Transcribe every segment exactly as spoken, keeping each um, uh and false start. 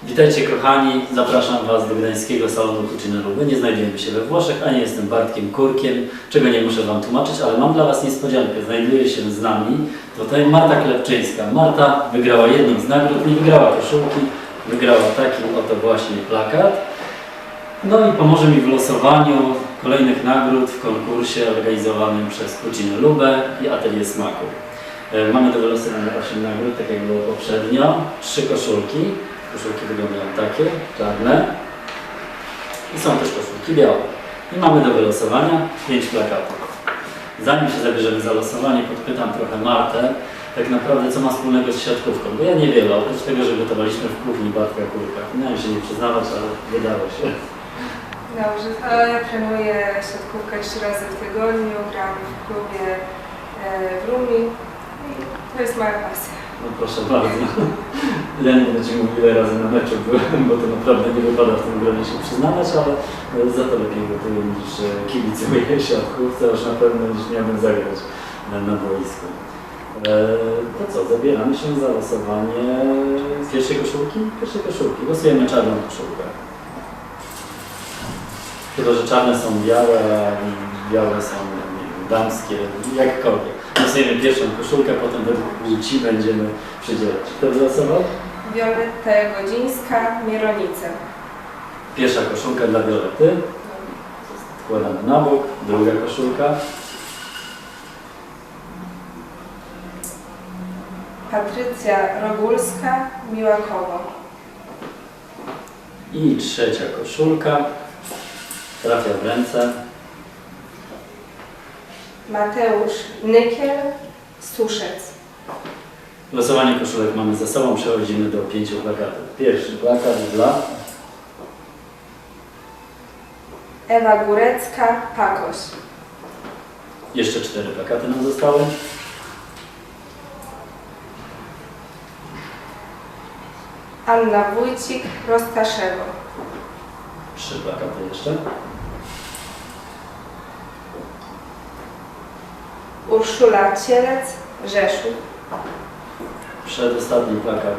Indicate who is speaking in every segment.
Speaker 1: Witajcie kochani, zapraszam Was do gdańskiego salonu Cucina Luby. Nie znajdujemy się we Włoszech, a nie jestem Bartkiem Kurkiem, czego nie muszę Wam tłumaczyć, ale mam dla Was niespodziankę. Znajduje się z nami tutaj Marta Klepczyńska. Marta wygrała jedną z nagród, nie wygrała koszulki, wygrała taki oto właśnie plakat. No i pomoże mi w losowaniu kolejnych nagród w konkursie organizowanym przez Cucinę Lubę i Atelier Smaku. Mamy do wylosowania osiem nagród, tak jak było poprzednio, trzy koszulki. Koszulki wyglądają takie, czarne i są też koszulki białe. I mamy do wylosowania pięć plakatów. Zanim się zabierzemy za losowanie, podpytam trochę Martę, tak naprawdę co ma wspólnego z siatkówką, bo ja niewiele, oprócz tego, że gotowaliśmy w kuchni Bartka Kurka. Miałem się nie przyznawać, ale wydało się.
Speaker 2: Dobrze, to ja trenuję siatkówkę trzy razy w tygodniu, gram w klubie w Rumi i to jest moja pasja.
Speaker 1: No proszę bardzo. Ja nie będę Ci mówił, ile razy na meczu byłem, bo to naprawdę nie wypada w tym gronie się przyznawać, ale za to lepiej gotuję niż kibicuję siatkówce, już na pewno niż miałbym zagrać na boisku. To co, zabieramy się za losowanie pierwszej koszulki? Pierwszej koszulki. Losujemy czarną koszulkę. Chyba że czarne są białe, a białe są damskie, jakkolwiek. Losujemy pierwszą koszulkę, potem według płci będziemy przydzielać. Kto wylosował?
Speaker 2: Wioletta Godzińska, Mieronice.
Speaker 1: Pierwsza koszulka dla Violety. Wkładamy na bok. Druga koszulka.
Speaker 2: Patrycja Rogulska, Miłakowo.
Speaker 1: I trzecia koszulka. Trafia w ręce.
Speaker 2: Mateusz Nykiel, Suszec.
Speaker 1: Losowanie koszulek mamy za sobą, przechodzimy do pięciu plakatów. Pierwszy plakat dla
Speaker 2: Ewa Górecka, Pakoś.
Speaker 1: Jeszcze cztery plakaty nam zostały.
Speaker 2: Anna Wójcik, Roztaszewo.
Speaker 1: Trzy plakaty jeszcze.
Speaker 2: Urszula Cielec, Rzeszów.
Speaker 1: Przedostatni plakat.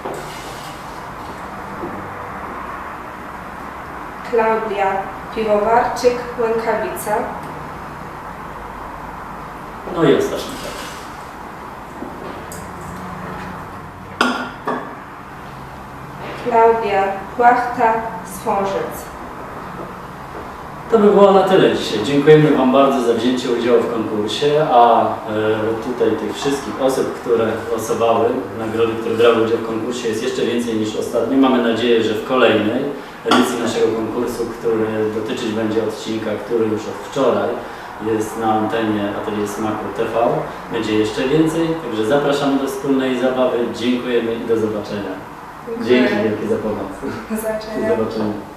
Speaker 2: Klaudia Piwowarczyk, Łękawica.
Speaker 1: No i ostatni plakat.
Speaker 2: Klaudia Płachta, Swążec.
Speaker 1: To by było na tyle dzisiaj. Dziękujemy Wam bardzo za wzięcie udziału w konkursie, a e, tutaj tych wszystkich osób, które losowały nagrody, które brały udział w konkursie, jest jeszcze więcej niż ostatnio. Mamy nadzieję, że w kolejnej edycji naszego konkursu, który dotyczyć będzie odcinka, który już od wczoraj jest na antenie Atelier Smaku T V, będzie jeszcze więcej. Także zapraszamy do wspólnej zabawy. Dziękujemy i do zobaczenia.
Speaker 2: Dziękuję.
Speaker 1: Dzięki wielkie za pomoc.
Speaker 2: Do zobaczenia.
Speaker 1: Do zobaczenia.